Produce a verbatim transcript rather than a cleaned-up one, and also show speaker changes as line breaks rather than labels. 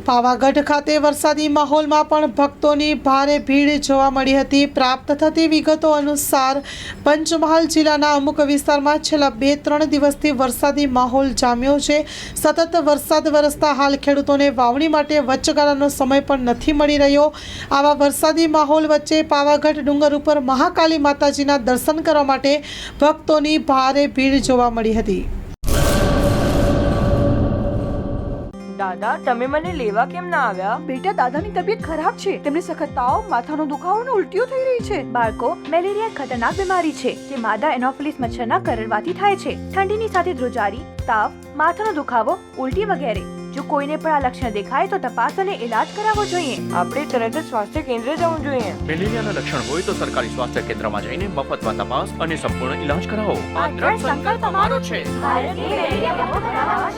પાવાગઢ ખાતે વરસાદી માહોલમાં પણ ભક્તોની ભારે ભીડ જોવા મળી હતી। પ્રાપ્ત થતી વિગતો અનુસાર પંચમહાલ જિલ્લાના અમુક વિસ્તારમાં છેલ્લા બે ત્રણ દિવસથી વરસાદી માહોલ જામ્યો છે। સતત વરસાદ વરસતા હાલ ખેડૂતોને વાવણી માટે વચગાળાનો સમય પણ નથી મળી રહ્યો। આવા વરસાદી માહોલ વચ્ચે પાવાગઢ ડુંગર ઉપર મહાકાલી માતાજીના દર્શન કરવા માટે ભક્તોની ભારે ભીડ જોવા મળી હતી।
દાદા તમે મને લેવા કેમ ના આવ્યા?
બેટા, દાદાની તબિયત ખરાબ છે। તેમને સખત તાવ, માથાનો દુખાવો અને ઉલટીઓ થઈ રહી છે।
બાળકો, મેલેરિયા ખતરનાક બીમારી છે જે માદા એનોફિલિસ મચ્છરના કરડવાથી થાય છે। ઠંડીની સાથે ધ્રુજારી, તાવ, માથાનો દુખાવો, ઉલટી વગેરે। જો કોઈને પણ આ લક્ષણ દેખાય તો તપાસ અને ઇલાજ કરાવવો જોઈએ।
આપણે તરત જ સ્વાસ્થ્ય કેન્દ્ર જવું જોઈએ।
મેલેરિયાના લક્ષણ હોય તો સરકારી સ્વાસ્થ્ય કેન્દ્રમાં જઈને મફતમાં તપાસ અને સંપૂર્ણ ઇલાજ કરાવો।
આ દ્રઢ સંકલ્પ અમારો છે। ભારતની મેલેરિયા મુક્ત કરાવવા